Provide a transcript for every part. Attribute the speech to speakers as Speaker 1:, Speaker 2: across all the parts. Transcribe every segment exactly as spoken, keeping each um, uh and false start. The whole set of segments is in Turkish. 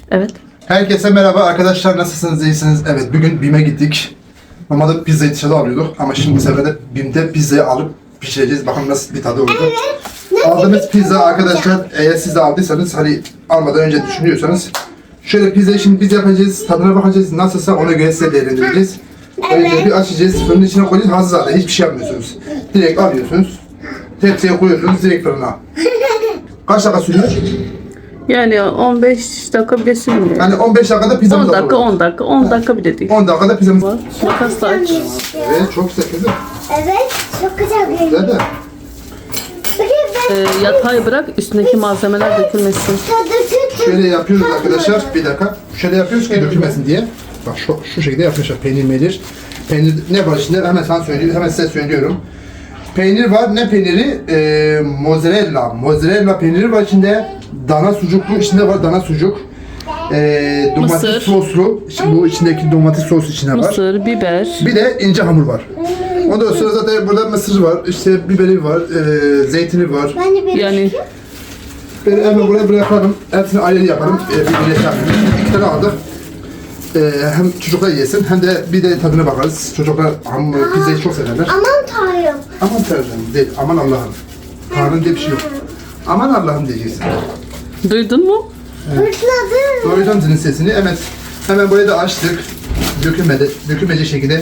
Speaker 1: Evet.
Speaker 2: Herkese merhaba arkadaşlar, nasılsınız, iyisiniz? Evet, bugün BİM'e gittik. Normalde pizzayı dışarıda alıyorduk ama şimdi bu sefer de BİM'de pizzayı alıp pişireceğiz. Bakalım nasıl bir tadı olacak.
Speaker 3: Evet.
Speaker 2: Aldığımız pizza arkadaşlar, eğer siz de aldıysanız, hani almadan önce düşünüyorsanız, şöyle pizzayı şimdi biz yapacağız, tadına bakacağız, nasılsa ona göre size değerlendireceğiz.
Speaker 3: Evet.
Speaker 2: Önce bir açacağız, fırının içine koyacağız, hazır zaten, hiçbir şey yapmıyorsunuz. Direkt alıyorsunuz, tepsiye koyuyorsunuz, direkt fırına. Kaç dakika sürüyor?
Speaker 1: Yani on beş dakika bile sürmüyor.
Speaker 2: Yani on beş dakikada pizzamız
Speaker 1: on
Speaker 2: hazır
Speaker 1: dakika,
Speaker 2: olur.
Speaker 1: on dakika, on dakika bile değil.
Speaker 2: on dakikada pizzamız.
Speaker 1: Var. Makas da aç.
Speaker 2: Evet, çok güzel kızım.
Speaker 3: Evet, çok güzel görünüyor.
Speaker 2: Güzel de.
Speaker 3: Bakın ben
Speaker 1: Ee, yatağı bırak, üstündeki malzemeler dökülmesin.
Speaker 3: tadı tut.
Speaker 2: Şöyle yapıyoruz arkadaşlar. Bir dakika. Şöyle yapıyoruz ki dökülmesin diye. Bak şu, şu şekilde yapmışlar. Peynir melir. Peynir ne var içinde? Hemen sana söylüyorum. Hemen size söylüyorum. Peynir var. Ne peyniri? Ee, mozzarella. Mozzarella peyniri var içinde. Dana sucuklu. İçinde var dana sucuk. Ee, domates
Speaker 1: Mısır.
Speaker 2: soslu. İşte bu içindeki domates sos içinde var.
Speaker 1: Mısır, biber.
Speaker 2: Bir de ince hamur var. Ondan sonra zaten burada mısır var. İşte biberi var. ee, zeytini var.
Speaker 3: Ben de bir
Speaker 1: Yani
Speaker 2: Ben hemen buraya bırakalım. Hepsini ayrı yaparım. Ee, bir birleşe yapayım. İki tane aldık. Ee, hem çocuklar yesin hem de bir de tadına bakarız. Çocuklar hamur, pizzayı çok severler.
Speaker 3: aman tanrım.
Speaker 2: Aman Tanrım değil, aman Allah'ım. Tanrım diye bir şey yok. Aman Allah'ım diyeceksin.
Speaker 1: duydun mu?
Speaker 3: Fırtladı.
Speaker 2: Duydum senin sesini. Evet. Hemen burayı da açtık. Dökülmedi, dökülmeyecek şekilde.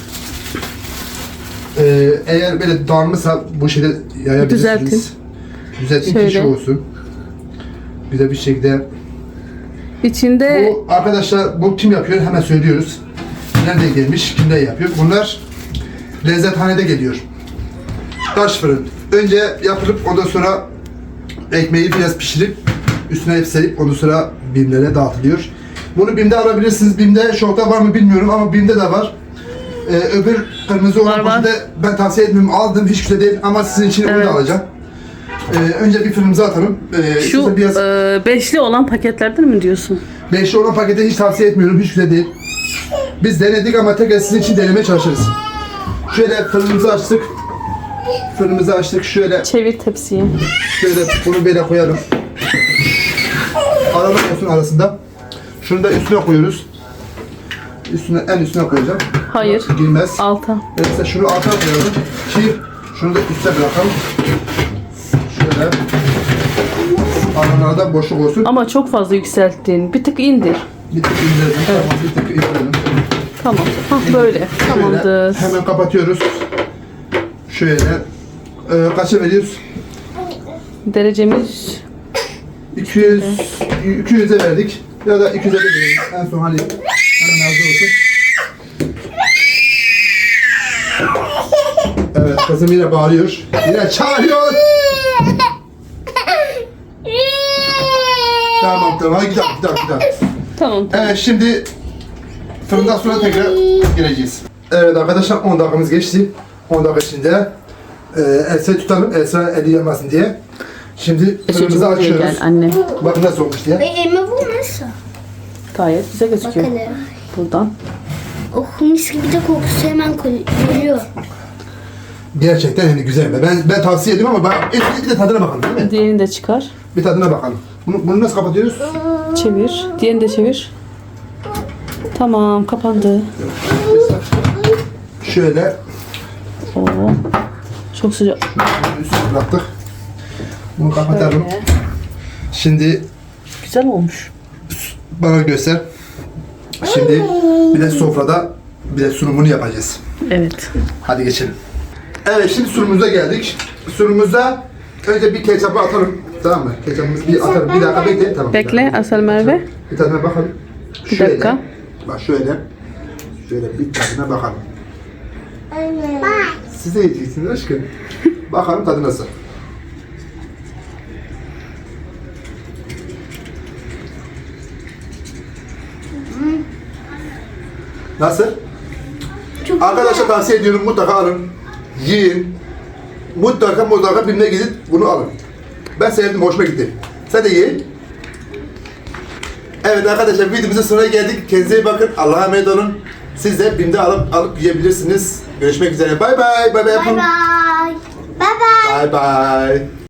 Speaker 2: Ee, eğer böyle dağılmışsa bu şeyde yayabilirsiniz.
Speaker 1: Düzeltin.
Speaker 2: Düzeltin ki
Speaker 1: Şöyle.
Speaker 2: şey olsun. Güzel bir şekilde.
Speaker 1: İçinde
Speaker 2: Bu arkadaşlar, bu kim yapıyor hemen söylüyoruz. Nerede gelmiş, kimden yapıyor? Bunlar lezzethanede geliyor. Taş fırın. Önce yapılıp ondan sonra ekmeği biraz pişirip üstüne hep serip ondan sonra BİM'lere dağıtılıyor. Bunu BİM'de alabilirsiniz. BİM'de şokta var mı bilmiyorum ama BİM'de de var. Ee, öbür kırmızı olan
Speaker 1: Var, var.
Speaker 2: poşete ben tavsiye etmiyorum. Aldım, hiç güzel değil ama sizin için onu
Speaker 1: Evet.
Speaker 2: da alacağım. Ee, önce bir fırınımıza atalım. Ee,
Speaker 1: şu
Speaker 2: size biraz...
Speaker 1: e, beşli olan paketlerden mi diyorsun?
Speaker 2: Beşli olan paketi hiç tavsiye etmiyorum. Hiç güzel değil. Biz denedik ama tekrar sizin için denemeye çalışırız. Şöyle fırınımızı açtık. Fırınımızı açtık. Şöyle
Speaker 1: Çevir tepsiyi.
Speaker 2: şöyle bunu böyle koyalım. Aralık olsun arasında. Şunu da üstüne koyuyoruz. Üstüne, en üstüne koyacağım.
Speaker 1: Hayır.
Speaker 2: Girmez.
Speaker 1: Alta.
Speaker 2: Mesela şunu alta koyalım. Ki şunu da üste bırakalım. Şöyle. Aralarda boşluk olsun.
Speaker 1: Ama çok fazla yükselttin. Bir tık indir.
Speaker 2: Bir tık indirelim. Tamam, bir tık indirelim.
Speaker 1: Tamam. Hah böyle. Tamamdır.
Speaker 2: Şöyle hemen kapatıyoruz. Şöyle e, kaça veriyoruz?
Speaker 1: Derecemiz
Speaker 2: iki yüz iki yüze verdik. Ya da iki yüze de veririz. En son hani hemen hazır olsun. Evet, kızım yine bağırıyor. Yine çağırıyor. Tamam tamam, hadi gidelim gidelim gidelim.
Speaker 1: tamam.
Speaker 2: Evet, şimdi fırından sonra tekrar geleceğiz. Evet arkadaşlar, on dakikamız geçti. on dakika içinde e, Elsa'yı tutalım, Elsa eli yanmasın diye. Şimdi fırınımızı
Speaker 1: Çocuğum buraya
Speaker 2: açıyoruz.
Speaker 1: gel anne.
Speaker 2: Bakın nasıl olmuş diye.
Speaker 3: Ve elime vurmasın.
Speaker 1: Gayet güzel gözüküyor.
Speaker 3: Bakalım.
Speaker 1: Buradan.
Speaker 3: Oh, mis gibi de kokusu hemen geliyor.
Speaker 2: Gerçekten yani güzel. Ben ben tavsiye ediyorum ama ben, bir de tadına bakalım değil mi?
Speaker 1: Diğerini de çıkar.
Speaker 2: Bir tadına bakalım. Bunu, bunu nasıl kapatıyoruz?
Speaker 1: Çevir. Diğerini de çevir. Tamam, kapandı.
Speaker 2: Şöyle
Speaker 1: Oo. Çok sıcak.
Speaker 2: üstüne bıraktık. Bunu kapatalım.
Speaker 1: Böyle.
Speaker 2: Şimdi
Speaker 1: Güzel olmuş.
Speaker 2: bana göster. Şimdi bir de sofrada bir de sunumunu yapacağız.
Speaker 1: Evet.
Speaker 2: Hadi geçelim. Evet, şimdi sunumumuza geldik. Sunumumuza önce bir ketçapı atalım. Tamam mı? Ketçapımızı bir atalım. Bir dakika bekle. Tamam.
Speaker 1: Bekle Asel Merve.
Speaker 2: Bir tadına bakalım.
Speaker 1: Bir dakika.
Speaker 2: Bak şöyle. Şöyle bir tadına bakalım. Siz de yiyeceksiniz aşkım. Bakalım tadı nasıl. Nasıl?
Speaker 3: Çok
Speaker 2: Arkadaşlar tavsiye ediyorum, mutlaka alın. Yiyin. Mutlaka mutlaka birine gidip bunu alın. Ben sevdim, hoşuma gitti. Sen de ye. Evet arkadaşlar, videomuzun sonuna geldik. Kendinize iyi bakın. Allah'a emanet olun. Siz de BİM'de alıp alıp yiyebilirsiniz. Görüşmek üzere. Bay bay. Bay bay
Speaker 3: Bye
Speaker 2: yapın.
Speaker 3: bye. Bye bye.
Speaker 2: Bay bay.